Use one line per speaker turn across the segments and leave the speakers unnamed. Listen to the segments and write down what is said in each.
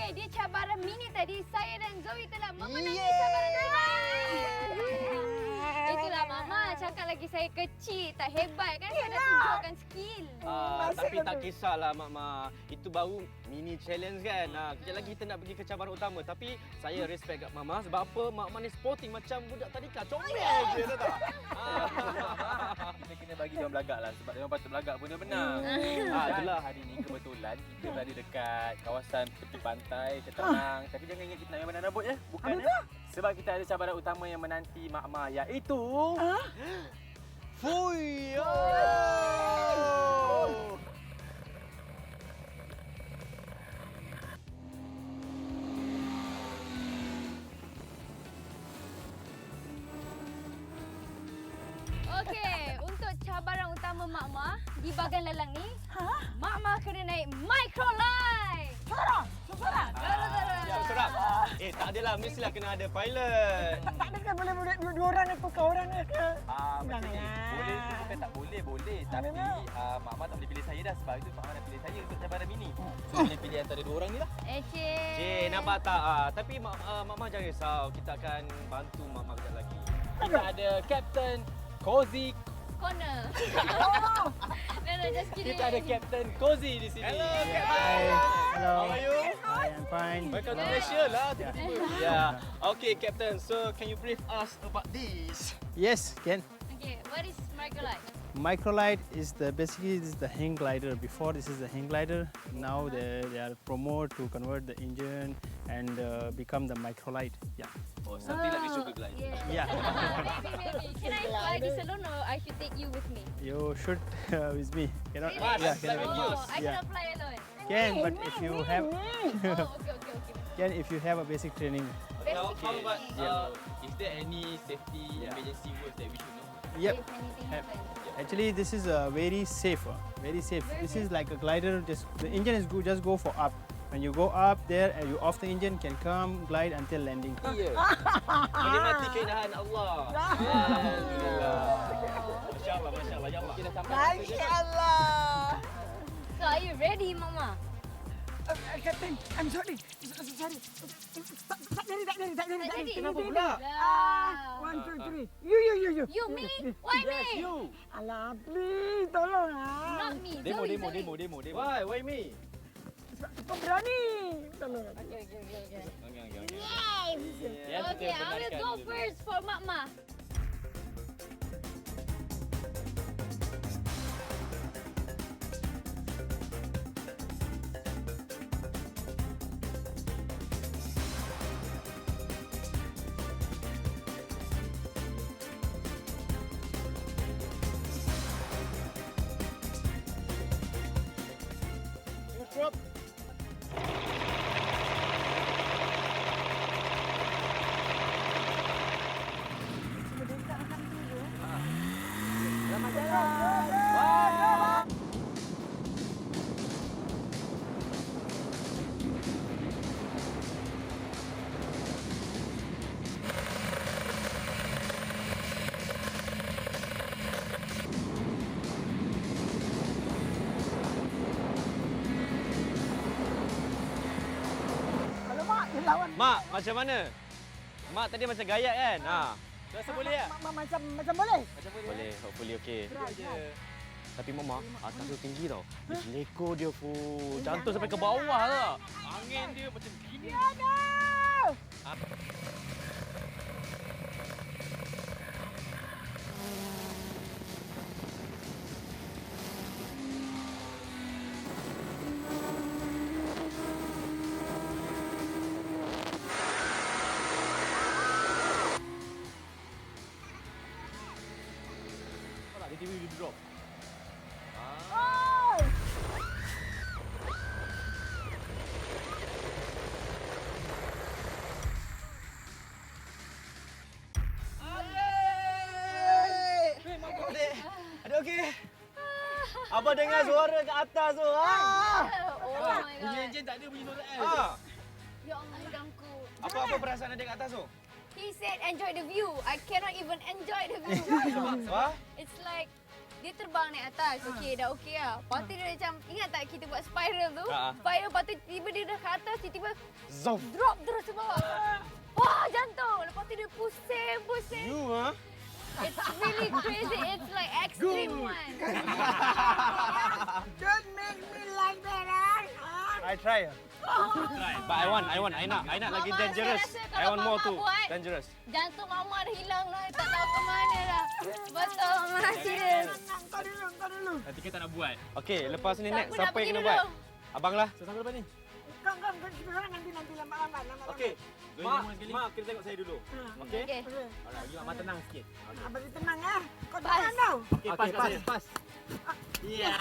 dia cabaran mini tadi, saya dan Zoe telah memenangi cabaran terima. Itulah Mama, cakap lagi saya kecil, tak hebat kan? Saya dah tunjukkan skill.
Tapi tak kisahlah Mak. Itu baru mini challenge kan. Kejap lagi kita nak pergi ke cabaran utama. Tapi saya respect kat Mama sebab apa? Mak ni sporting macam budak tadika. Comel je, tahu tak?
Kita kena bagi dia orang belagak lah sebab dia orang patut belagak pun dia benar. Itulah hari ni kebetulan kita berada dekat kawasan tepi pantai, tenang. Tapi jangan ingat kita nak main rambut ya. Bukan ya. Sebab kita ada cabaran utama yang menanti Mak Ma iaitu
Fuyo!
Okey, untuk cabaran utama Mak Ma di bahagian lelang ni, Mak Ma kena naik microlight.
Seorang.
Ya, seorang. Tak adalah. Mestilah kena ada pilot.
Tak ada kan boleh dua orang ni tukar orang ni ke?
macam ni. Boleh tu bukan tak boleh. Tapi Mak Ma tak boleh pilih saya dah sebab itu Mak Ma dah pilih saya untuk cabaran mini. So boleh pilih antara dua orang ni lah.
Cik,
Nampak tak? Tapi Mak Ma jangan risau. Kita akan bantu Mak Ma kejap lagi.
Kita ada Captain Cozy.
corner. No, just kidding.
Kita ada Captain Cozy di sini.
Hello, Captain.
Hi. Hello.
How are you?
Hi, I'm fine.
Welcome to Malaysia lah tiba-tiba. Yeah. Okay, Captain. So, can you brief us about this?
Yes, Ken.
Okay, what is microlight?
Microlight is basically this is the hang glider. Before this is the hang glider. Now they are promote to convert the engine and become the microlight. Yeah.
Oh, something like the sugar glider.
Yeah.
Yeah.
Maybe. Can I fly this alone or I should take you with me?
You should with me. Cannot.
Really?
Yeah,
fly with you.
Oh, I cannot fly alone.
Can, but if you have
Oh, okay.
can if you have a basic training.
How
Basically,
about, is there any safety emergency words that we should know?
Yep.
if anything
Have.
happens.
Actually, this is very safe. Very safe. This is like a glider. Just the engine is good. Just go for up. When you go up there and you off the engine, can come glide until landing.
Iya. Menikmati keindahan Allah. Alhamdulillah. Masya Allah, Masya Allah. Ya Allah.
Kita sampai
Masya Allah.
So, are you ready, Mama?
Captain, I'm sorry. Sorry. Tak jadi.
Kenapa pula?
One, two, three. You.
You, me? Why me?
Alah, please, tolong
Not me,
Demo.
Why me?
Sebab kau berani. Tolong.
Okay.
Yes,
Okay, I will go first for Mama.
Drop.
Selamat jalan. Alamak, dia lawan.
Mak, macam mana? Mak tadi macam gayat kan?
Rasa boleh tak?
Macam boleh.
Macam
Boleh, hopefully okey.
Berat.
Tapi Mama, atas tu tinggi tau. Dia seleko dia full. Jantung sampai ke bawah lah. Angin dia macam gini.
Aduh.
Dia tiba-tiba drop.
Oh.
Adik okey? Abang dengar suara kat atas tu.
Oh my
Bunyi
god.
enjin tak ada bunyi suara L.
Ya Allah, hidungku.
Apa perasaan adik kat atas tu?
He said enjoy the view. I cannot even enjoy the view.
Wah?
It's like dia terbang naik atas. Okey, dah okey lah. Lepas tu dia macam, ingat tak kita buat spiral tu?
Ha.
Spiral, lepas tu tiba dia dah ke atas, tiba-tiba
Zoom.
drop terus ke bawah. Wah, jantung. Lepas tu dia pusing.
You ha?
It's really crazy. It's like extreme one.
Don't make me like that, ah.
I try.
But I nak lagi
Mama,
dangerous.
saya rasa
I
kalau
want more
Mama
tu.
buat-
Dangerous.
Jantung mama dah hilang lah. Tak tahu ke mana dah. Betul, mama serius.
Kau dulu.
Nanti kita nak buat.
Okey, lepas ni
Siapa
next
nak
siapa
pergi
yang kena
dulu?
buat? Abang lah.
Siapa depan ni?
Kau kita orang nanti lambat.
Okey.
Mak,
Mak, kita tengok saya dulu. Okey?
Okey.
Alright, bagi Mak tenang sikit.
Abang tenang ah. Kau
Pas.
tenang tau.
Okey, pas. Ya.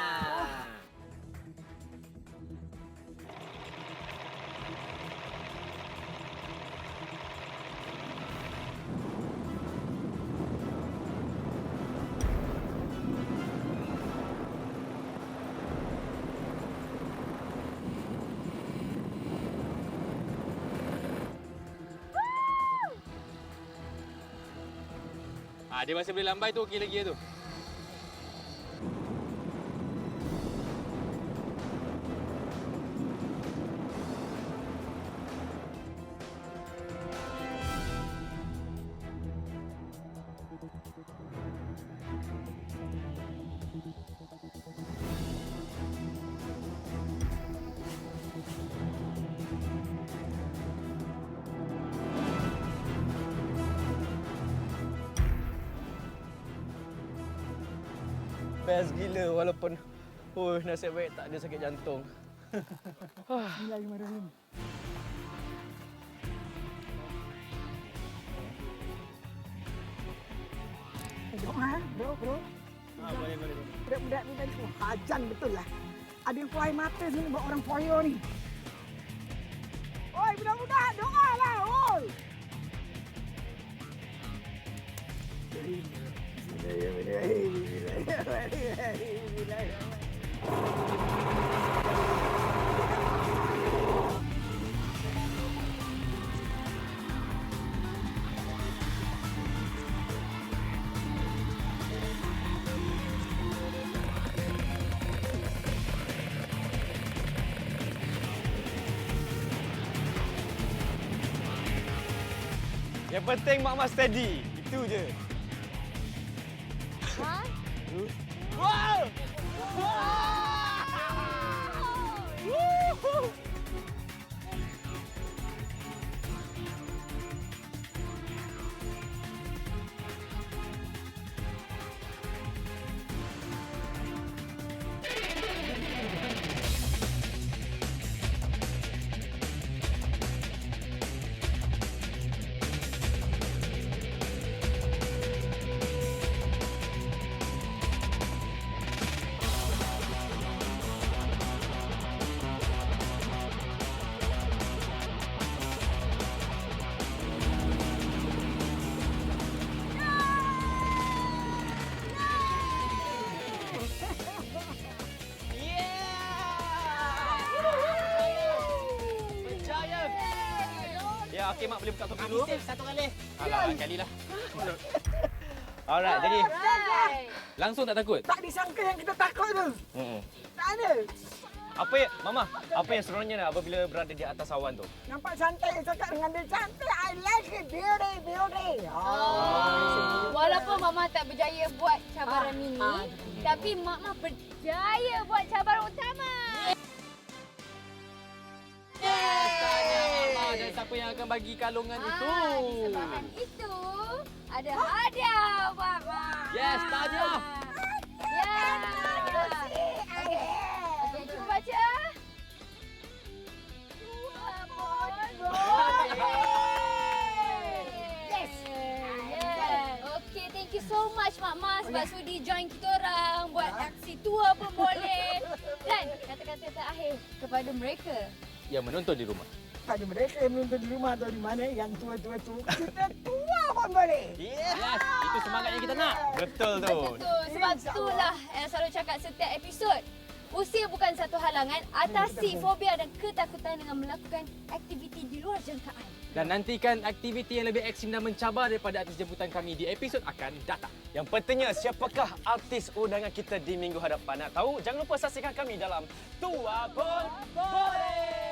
Dia masih boleh lambai tu, okey lagi tu.
Best gila walaupun nasib baik tak ada sakit jantung.
Bismillahirrahmanirrahim. Doa, bro.
Boleh.
Budak-budak ni tadi hajan betul lah. Ada yang kuai mata sini buat orang foyo ni. Oi, budak-budak, doa lah, oi.
Yang penting Mak steady. Itu je.
Ha?
Wow! Berjaya! Ya, okey Mak boleh buka topi dulu.
Satu kali.
Alah, kali lah. Alright, jadi
Alright.
Langsung tak takut?
Tak disangka yang kita takut tu. Tak ada.
Apa yang seronoknya apabila berada di atas awan tu?
Nampak cantik, cakap dengan dia cantik. I like it, beauty.
Walaupun Mama tak berjaya buat cabaran mini, tapi Mama berjaya buat cabaran utama.
Tanya Mama dan siapa yang akan bagi kalungan itu.
Disebabkan itu, ada hadiah buat Mama.
Yes, tahniah.
Ya. Okey, cuba baca. Yes. Okey, thank you so much Mak Mas sebab sudi join kita orang buat aksi tua pun boleh. Dan kata-kata terakhir kepada mereka.
Yang menonton di rumah.
Pada mereka yang menonton di rumah atau di mana yang tua-tua tu, kita tua pun boleh.
Yes!
Yes, itu semangat yang kita nak.
Betul tu.
Betul. Sebab itulah yang selalu cakap setiap episod. Usia bukan satu halangan. Atasi fobia dan ketakutan dengan melakukan aktiviti di luar jangkaan.
Dan nantikan aktiviti yang lebih ekstrim dan mencabar daripada artis jemputan kami di episod akan datang.
Yang pentingnya, siapakah artis undangan kita di minggu hadapan? Nak tahu? Jangan lupa saksikan kami dalam Tua Pun Boleh!